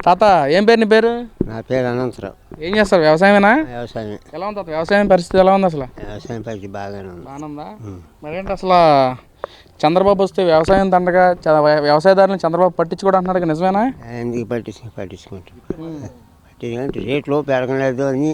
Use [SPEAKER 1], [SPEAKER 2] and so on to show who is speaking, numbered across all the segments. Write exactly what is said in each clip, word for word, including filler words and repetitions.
[SPEAKER 1] తాత ఏం పేరు నీ పేరు?
[SPEAKER 2] నా పేరు అనంతరావు.
[SPEAKER 1] ఏం చేస్తారు? వ్యవసాయమేనా?
[SPEAKER 2] వ్యవసాయం.
[SPEAKER 1] ఎలా ఉంది తాత వ్యవసాయం పరిస్థితి ఎలా ఉంది అసలు?
[SPEAKER 2] వ్యవసాయం పరిస్థితి బాగానే ఉంది.
[SPEAKER 1] బాగానే ఉందా? మరేంటి అసలు చంద్రబాబు వస్తే వ్యవసాయం దండగా వ్యవసాయదారులను చంద్రబాబు పట్టించుకోవడం అంటున్నాడు, నిజమేనా?
[SPEAKER 2] ఎందుకు పట్టించు పట్టించుకుంటాం పట్టించుకుంటే రేట్లు పెరగలేదు అని,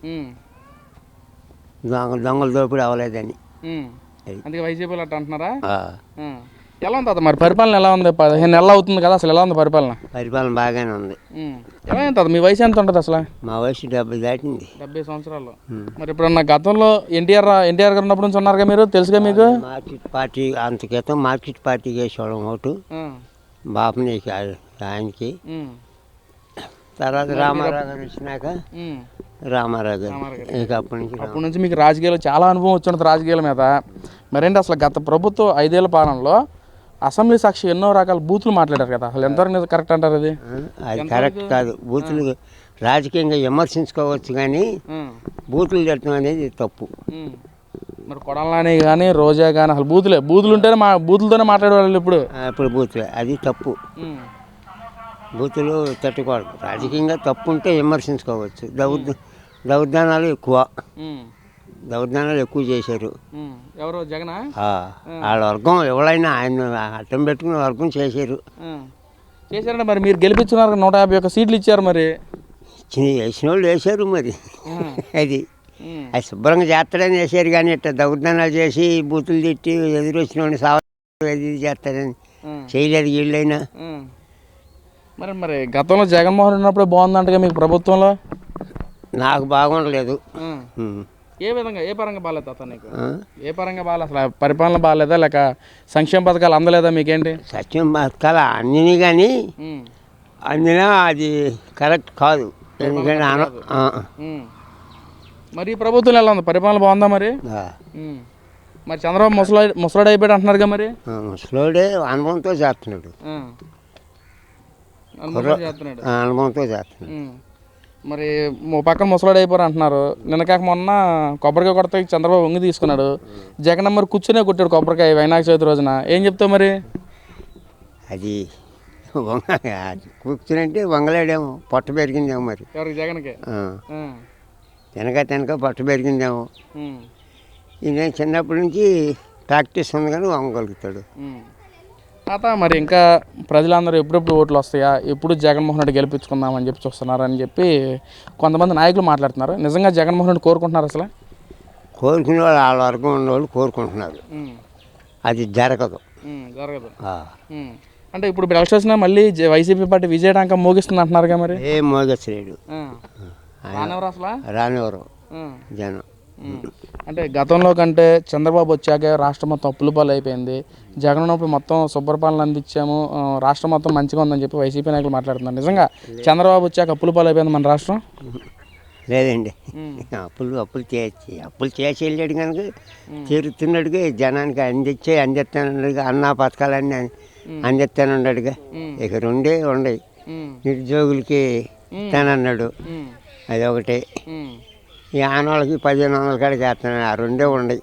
[SPEAKER 2] దొంగ దొంగల దోపిడీ అవ్వలేదని.
[SPEAKER 1] అందుకే వైసీపీలు అట్లా అంటున్నారా? ఎలా ఉంది తాత మరి పరిపాలన ఎలా ఉంది? పదిహేను నెలలు అవుతుంది కదా, అసలు ఎలా ఉంది పరిపాలన?
[SPEAKER 2] పరిపాలన బాగానే ఉంది.
[SPEAKER 1] ఎలా ఉంది తాత? మీ వయసు ఎంత ఉంటుంది అసలు?
[SPEAKER 2] మా వయసు డెబ్బై దాటింది.
[SPEAKER 1] డెబ్బై సంవత్సరాలు. మరి ఇప్పుడు నా గతంలో ఎన్టీఆర్ ఎన్టీఆర్ గారు ఉన్నప్పుడు నుంచి ఉన్నారుగా మీరు, తెలుసుగా మీకు?
[SPEAKER 2] మార్కెట్ పార్టీ అంత క్రితం మార్కెట్ పార్టీకి వేసేవాళ్ళం ఓటు, బాపని ఆయనకి. తర్వాత రామారావు గారు వచ్చినాక రామారావు గారు ఇక అప్పటి నుంచి
[SPEAKER 1] అప్పటి నుంచి మీకు రాజకీయాలు చాలా అనుభవం వచ్చి ఉంటుంది రాజకీయాల మీద. మరేంటి అసలు గత ప్రభుత్వం ఐదేళ్ల పాలనలో అసెంబ్లీ సాక్షి ఎన్నో రకాల బూతులు మాట్లాడారు కదా, అసలు ఎంతవరకు కరెక్ట్ అంటారు? అది
[SPEAKER 2] అది కరెక్ట్ కాదు. బూతులు రాజకీయంగా విమర్శించుకోవచ్చు కానీ బూతులు తిట్టడం అనేది తప్పు.
[SPEAKER 1] మరి కొడాలని కానీ రోజా కానీ అసలు బూతులే బూతులు ఉంటేనే మా బూతులతోనే మాట్లాడేవాళ్ళు ఇప్పుడు.
[SPEAKER 2] ఇప్పుడు బూతులే, అది తప్పు. బూతులు తట్టుకోవాలి. రాజకీయంగా తప్పు ఉంటే విమర్శించుకోవచ్చు. దౌర్ దౌర్దానాలు ఎక్కువ దౌర్దానాలు ఎక్కువ చేశారు.
[SPEAKER 1] ఎవరు? జగన్.
[SPEAKER 2] వాళ్ళ వర్గం ఎవరైనా ఆయన అడ్డం పెట్టుకుని వర్గం చేశారు
[SPEAKER 1] చేశారంటే మరి మీరు గెలిపించున్నారు, నూట యాభై ఒక్క సీట్లు ఇచ్చారు. మరి
[SPEAKER 2] వేసిన వాళ్ళు వేశారు. మరి అది అది శుభ్రంగా చేస్తాడని వేసారు కానీ ఇట్లా దౌర్దానాలు చేసి బూతులు తిట్టి ఎదురు వచ్చిన వాడిని సాగు అది చేస్తాడని చేయలేదు వీళ్ళైనా.
[SPEAKER 1] మరి మరి గతంలో జగన్మోహన్ ఉన్నప్పుడు బాగుందంటగా మీకు ప్రభుత్వంలో?
[SPEAKER 2] నాకు బాగుండలేదు.
[SPEAKER 1] ఏ విధంగా, ఏ పరంగా బాగాలేదు తాత నీకు? ఏ పరంగా బాగాలేదు? అసలు పరిపాలన బాగాలేదా లేక సంక్షేమ పథకాలు అందలేదా మీకేంటి?
[SPEAKER 2] సంక్షేమ పథకాలు అందినాయి కానీ అందినా అది కరెక్ట్ కాదు. ఎందుకంటే
[SPEAKER 1] మరి ఈ ప్రభుత్వం ఎలా ఉంది? పరిపాలన బాగుందా మరి? మరి చంద్రబాబు ముసలా ముసలాడు అయిపోయాడు అంటున్నారుగా? మరి
[SPEAKER 2] ముసలాడే అనుభవంతో చేస్తున్నాడు. అనుభవంతో చేస్తున్నాడు.
[SPEAKER 1] మరి పక్కన ముసలాడు అయిపోరు అంటున్నారు. నిన్న కాక మొన్న కొబ్బరికాయ కొడితే చంద్రబాబు వంగి తీసుకున్నాడు. జగన్ మరి కూర్చునే కొట్టాడు కొబ్బరికాయ వినాయక చవితి రోజున. ఏం చెప్తావు మరి?
[SPEAKER 2] అది కూర్చునంటే వంగలేడేమో, పొట్ట పెరిగిందేమో. మరి
[SPEAKER 1] ఎవరికి? జగన్కి.
[SPEAKER 2] తినక తినక పొట్ట పెరిగిందేమో. ఈయన చిన్నప్పటి నుంచి ప్రాక్టీస్ ఉంది కానీ వంగగలుగుతాడు.
[SPEAKER 1] తాత మరి ఇంకా ప్రజలందరూ ఎప్పుడెప్పుడు ఓట్లు వస్తాయా, ఎప్పుడు జగన్మోహన్ రెడ్డి గెలిపించుకుందామని చెప్పి చూస్తున్నారని చెప్పి కొంతమంది నాయకులు మాట్లాడుతున్నారు. నిజంగా జగన్మోహన్ రెడ్డి కోరుకుంటున్నారు అసలు?
[SPEAKER 2] కోరుకునే వాళ్ళు వాళ్ళ వర్గం ఉన్నవాళ్ళు కోరుకుంటున్నారు. అది జరగదు.
[SPEAKER 1] జరగదు అంటే ఇప్పుడు ఎలక్షన్ వచ్చినా మళ్ళీ వైసీపీ పార్టీ విజయడానికి మోగిస్తుంది అంటున్నారుగా? మరి
[SPEAKER 2] ఏ మోగలేడు,
[SPEAKER 1] రానివరు అసలు
[SPEAKER 2] రానివరు జనం.
[SPEAKER 1] అంటే గతంలో కంటే చంద్రబాబు వచ్చాక రాష్ట్రం మొత్తం అప్పుల పాలు అయిపోయింది. జగన్ ఉన్నప్పుడు మొత్తం శుభ్రపాలన అందించాము, రాష్ట్రం మొత్తం మంచిగా ఉందని చెప్పి వైసీపీ నాయకులు మాట్లాడుతున్నారు. నిజంగా చంద్రబాబు వచ్చాక అప్పుల పాలు అయిపోయింది మన రాష్ట్రం?
[SPEAKER 2] లేదండి, అప్పులు అప్పులు చేసి అప్పులు చేసి వెళ్ళాడు కనుక తీరుతున్నాడుగా, జనానికి అందించే అందిస్తానన్నాడుగా, అన్నా పథకాలన్నీ అందిస్తానన్నాడుగా. ఇక రెండే ఉండయి. నిరుద్యోగులకి ఇస్తానన్నాడు, అది ఒకటి. ఈ ఆనవాళ్ళకి పదిహేను వందల కాడికి వేస్తున్నాడు, ఆ రెండే ఉండయి.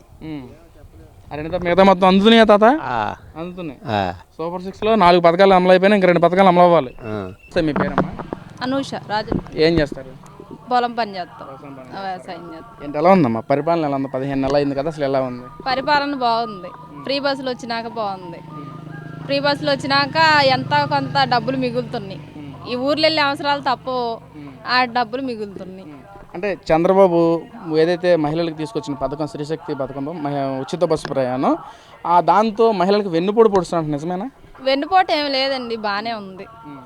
[SPEAKER 1] మిగతా మొత్తం అందుతున్నాయా తాత? అందుతున్నాయి. సూపర్ సిక్స్ లో నాలుగు పథకాలు అమలు అయిపోయినా ఇంకా రెండు పథకాలు అమలు అవ్వాలి. మీ పేరమ్మా?
[SPEAKER 3] అనూష రాజు.
[SPEAKER 1] ఏం చేస్తారు?
[SPEAKER 3] పొలం పని చేస్తాం, వ్యవసాయం చేస్తాం.
[SPEAKER 1] ఏంటి ఎలా ఉందమ్మా పరిపాలన? ఎలా ఉంది? పదిహేను నెలలు అయింది కదా, అసలు ఎలా ఉంది
[SPEAKER 3] పరిపాలన? బాగుంది. ఫ్రీ బస్సులు వచ్చినాక బాగుంది. ఫ్రీ బస్సులు వచ్చినాక ఎంత కొంత డబ్బులు మిగులుతున్నాయి. ఈ ఊర్లో వెళ్ళే అవసరాలు తప్పు, ఆ డబ్బులు మిగులుతున్నాయి.
[SPEAKER 1] అంటే చంద్రబాబు ఏదైతే మహిళలకు తీసుకొచ్చిన పథకం స్త్రీశక్తి పథకంలో ఉచిత బస్సు ప్రయాణం, ఆ దాంతో మహిళలకు వెన్నుపోటు పొడుస్తున్నట్టు నిజమేనా?
[SPEAKER 3] వెన్నుపోటు ఏమి లేదండి, బాగానే ఉంది.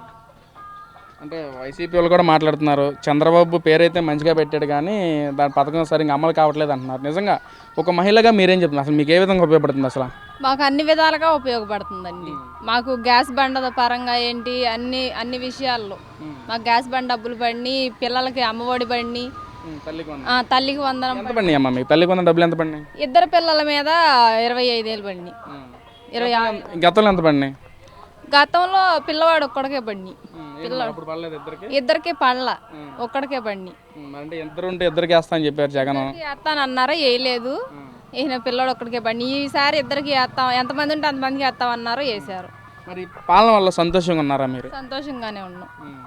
[SPEAKER 1] అంటే వైసీపీ వాళ్ళు కూడా మాట్లాడుతున్నారు, చంద్రబాబు పేరైతే మంచిగా పెట్టాడు కానీ దాని పథకం సరిగ్గా అమలు కావట్లేదు అంటున్నారు. నిజంగా ఒక మహిళగా మీరేం చెప్తున్నారు? అసలు మీకు ఏ విధంగా ఉపయోగపడుతుంది అసలు?
[SPEAKER 3] మాకు అన్ని విధాలుగా ఉపయోగపడుతుందండి. మాకు గ్యాస్ బండ పరంగా ఏంటి అన్ని అన్ని విషయాల్లో మాకు గ్యాస్ బండ డబ్బులు పడినాయి, పిల్లలకి అమ్మఒడి పడినాయి, తల్లికి వందనం
[SPEAKER 1] పడినాయి. అమ్మ మీకు తల్లికి వందనం డబ్బులు ఎంత పడినాయి?
[SPEAKER 3] ఇద్దరు పిల్లల మీద ఇరవై ఐదేళ్ళు పడినాయి. ఇరవై
[SPEAKER 1] గతంలో ఎంత పడినాయి?
[SPEAKER 3] గతంలో పిల్లవాడు ఒక్కడికే పడినాయి, ఇద్దరికి పడల, ఒక్కడికే పడినాయి.
[SPEAKER 1] ఇద్దరికి వేస్తా అని చెప్పారు జగన్.
[SPEAKER 3] వేస్తానన్నారా, వేయలేదు. ఈయన పిల్లడు ఒక్కడికే పడినాయి. ఈసారి ఇద్దరికి వేస్తాం, ఎంతమంది ఉంటే అంతమందికి వేస్తామన్నారు, వేసారు.
[SPEAKER 1] మరి పాలన వల్ల సంతోషంగా ఉన్నారా మీరు?
[SPEAKER 3] సంతోషంగానే ఉన్నాం.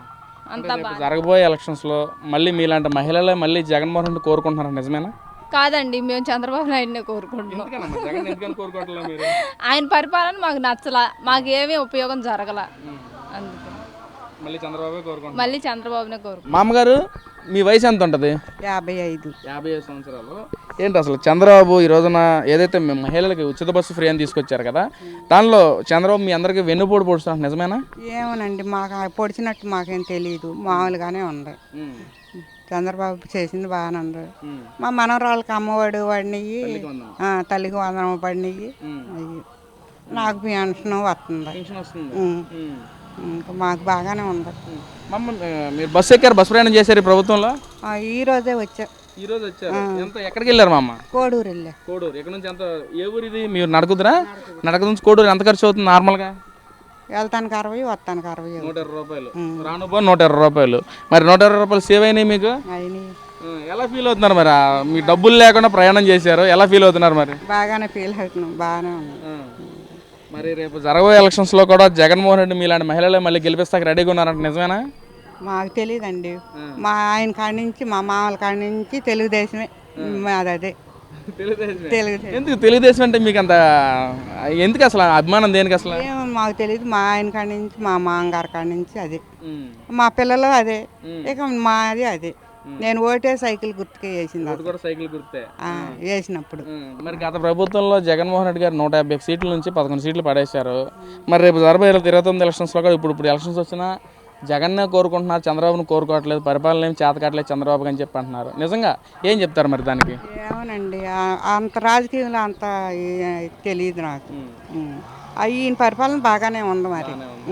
[SPEAKER 3] అంతా
[SPEAKER 1] రేపు
[SPEAKER 3] బాగా
[SPEAKER 1] జరగబోయే ఎలక్షన్స్లో మళ్ళీ మీలాంటి మహిళలే మళ్ళీ జగన్మోహన్ రెడ్డి కోరుకుంటున్నారు నిజమేనా?
[SPEAKER 3] కాదండి, మేము చంద్రబాబు నాయుడునే కోరుకుంటున్నాం.
[SPEAKER 1] ఎందుకనమ్మా జగన్ ఎందుకని కోరుకోవట్లేదు మీరు?
[SPEAKER 3] ఆయన పరిపాలన మాకు నచ్చలా, మాకు ఏమీ ఉపయోగం జరగల, అందుకే
[SPEAKER 1] మళ్ళీ చంద్రబాబు కోరుకుంటున్నారు.
[SPEAKER 3] మళ్ళీ చంద్రబాబునే కోరుకుంటున్నాం.
[SPEAKER 1] మామగారు మీ వయసు ఎంత ఉంటుంది?
[SPEAKER 4] యాభై ఐదు.
[SPEAKER 1] యాభై ఐదు సంవత్సరాలు. ఏంటి అసలు చంద్రబాబు ఈ రోజున ఏదైతే మీ మహిళలకి ఉచిత బస్సు ఫ్రీ అని తీసుకొచ్చారు కదా, దానిలో చంద్రబాబు మీ అందరికీ వెన్నుపోటు పొడుస్తున్నారు నిజమేనా?
[SPEAKER 4] ఏమోనండి, మాకు ఆ పొడిచినట్టు మాకేం తెలియదు, మామూలుగానే ఉంది. చంద్రబాబు చేసింది బాగానే ఉంది. మా మనవరాళ్ళకి అమ్మఒడి పడినవి, తల్లికి వందనం పడినవి, అవి నాకు పెన్షన్ వస్తుంది. ఉం. ఇంకా మాకు బాగానే ఉంది.
[SPEAKER 1] మమ్మ మీరు బస్సు ఎక్కారు, బస్సు ప్రయాణం చేశారు ఈ ప్రభుత్వంలో?
[SPEAKER 4] ఆ, ఈ రోజే వచ్చా.
[SPEAKER 1] ఈ రోజు వచ్చారు. ఎంత ఎక్కడికి వెళ్ళారు మా అమ్మ?
[SPEAKER 4] కోడూరు వెళ్ళా.
[SPEAKER 1] కోడూరు. ఇక్కడ నుంచి ఎంత, ఏ ఊరు ఇది? మీరు నడుకుదురా? నడక నుంచి కోడూరు ఎంత ఖర్చు అవుతుంది నార్మల్గా?
[SPEAKER 4] వెళ్తానికి అరవై, వస్తానికి అరవై.
[SPEAKER 1] నూట ఇరవై రూపాయలు రాను పో నూట ఇరవై రూపాయలు. మరి నూట ఇరవై రూపాయలు సేవ్ అయినాయి మీకు?
[SPEAKER 4] అయినాయి.
[SPEAKER 1] ఎలా ఫీల్ అవుతున్నారు మరి? మీ డబ్బులు లేకుండా ప్రయాణం చేశారు, ఎలా ఫీల్ అవుతున్నారు మరి?
[SPEAKER 4] బాగానే ఫీల్ అవుతున్నాం, బాగానే ఉంది.
[SPEAKER 1] మరి రేపు జరగబోయే ఎలక్షన్స్లో కూడా జగన్మోహన్ రెడ్డి మీలాంటి మహిళలే మళ్ళీ గెలిపిస్తాక రెడీగా ఉన్నారంట నిజమేనా?
[SPEAKER 4] మాకు తెలియదండి. మా ఆయన కాడి నుంచి, మా మామల కాడి నుంచి తెలుగుదేశమే మాది. అదే తెలుగుదేశం.
[SPEAKER 1] ఎందుకు తెలుగుదేశం అంటే మీకు అంత ఎందుకు అసలు అభిమానం? దేనికి అసలు?
[SPEAKER 4] ఏమో మాకు తెలియదు. మా ఆయన కాడి నుంచి, మా మామగారి కాడి నుంచి అదే, మా పిల్లలు అదే, ఇక మాది అదే. నేను ఓటే సైకిల్ గుర్తుకే వేసింది.
[SPEAKER 1] కూడా సైకిల్ గుర్తే
[SPEAKER 4] వేసినప్పుడు.
[SPEAKER 1] మరి గత ప్రభుత్వంలో జగన్మోహన్ రెడ్డి గారు నూట యాభై సీట్ల నుంచి పదకొండు సీట్లు పడేశారు. మరి రేపు జరబోయే ఇరవై తొమ్మిది ఎలక్షన్స్లో కూడా ఇప్పుడు ఇప్పుడు ఎలక్షన్స్ వచ్చినా జగన్నే కోరుకుంటున్నారు, చంద్రబాబును కోరుకోవట్లేదు, పరిపాలన ఏం చేతకట్లేదు చంద్రబాబు అని చెప్పి అంటున్నారు. నిజంగా ఏం చెప్తారు మరి దానికి?
[SPEAKER 4] ఏమోనండి, అంత రాజకీయంలో అంత తెలియదు నాకు. ఈయన పరిపాలన బాగానే ఉంది. మరి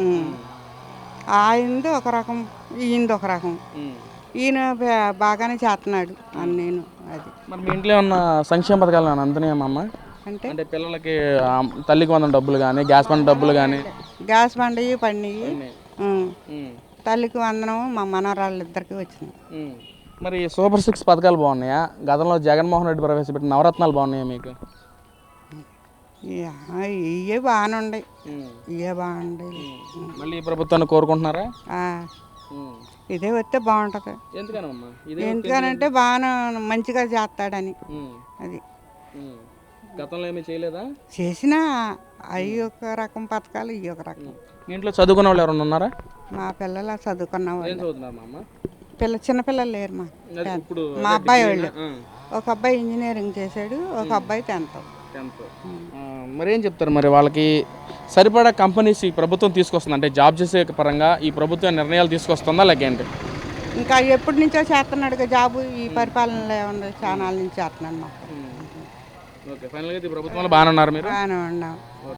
[SPEAKER 4] ఆయనది ఒక రకం, ఈయనది ఒక రకం. ఈయన బాగానే చేస్తున్నాడు అని నేను. అది
[SPEAKER 1] మరి మీ ఇంట్లో ఉన్న సంక్షేమ పథకాలు అందుతున్నాయమ్మా?
[SPEAKER 4] అంటే
[SPEAKER 1] అంటే పిల్లలకి తల్లికి వందల డబ్బులు కానీ, గ్యాస్ బండ డబ్బులు కానీ?
[SPEAKER 4] గ్యాస్ బండవి పడినాయి, తల్లికి వందనం మా మనవరాళ్ళు ఇద్దరికి వచ్చినాయి.
[SPEAKER 1] మరి సూపర్ సిక్స్ పథకాలు బాగున్నాయా? గతంలో జగన్మోహన్ రెడ్డి ప్రవేశపెట్టిన నవరత్నాలు బాగున్నాయా మీకు?
[SPEAKER 4] ఇవే బాగానే ఉన్నాయి, ఇవే బాగుంటాయి.
[SPEAKER 1] మళ్ళీ ఈ ప్రభుత్వాన్ని కోరుకుంటున్నారా?
[SPEAKER 4] ఇదే వస్తే బాగుంటుంది.
[SPEAKER 1] ఎందుకనమ్మా?
[SPEAKER 4] ఎందుకనంటే బాగా మంచిగా చేస్తాడని. అది
[SPEAKER 1] గతంలో ఏమీ చేయలేదా?
[SPEAKER 4] చేసినా అవి ఒక రకం పథకాలు, ఇవి ఒక రకం.
[SPEAKER 1] ఇంట్లో చదువుకున్న వాళ్ళు ఎవరైనా ఉన్నారా?
[SPEAKER 4] మా పిల్లలు చదువుకున్న వాళ్ళు.
[SPEAKER 1] మా
[SPEAKER 4] పిల్ల చిన్నపిల్లలు లేరు. మా మా అబ్బాయి వాళ్ళు, ఒక అబ్బాయి ఇంజనీరింగ్ చేశాడు, ఒక అబ్బాయి టెన్త్.
[SPEAKER 1] మరి ఏం చెప్తారు మరి వాళ్ళకి? సరిపడా కంపెనీస్ ఈ ప్రభుత్వం తీసుకొస్తుంది అంటే జాబ్ చేసే పరంగా ఈ ప్రభుత్వం నిర్ణయాలు తీసుకొస్తుందా లేకేంటి?
[SPEAKER 4] ఇంకా ఎప్పటి నుంచో చేస్తున్నాడు జాబు. ఈ పరిపాలనలో ఏమన్నా చాలా నుంచి చేస్తున్నాడు మాకు.
[SPEAKER 1] ఓకే, ఫైనల్గా ఈ ప్రభుత్వంలో బాగానే ఉన్నారు మీరు?
[SPEAKER 4] బాగానే ఉన్నాం.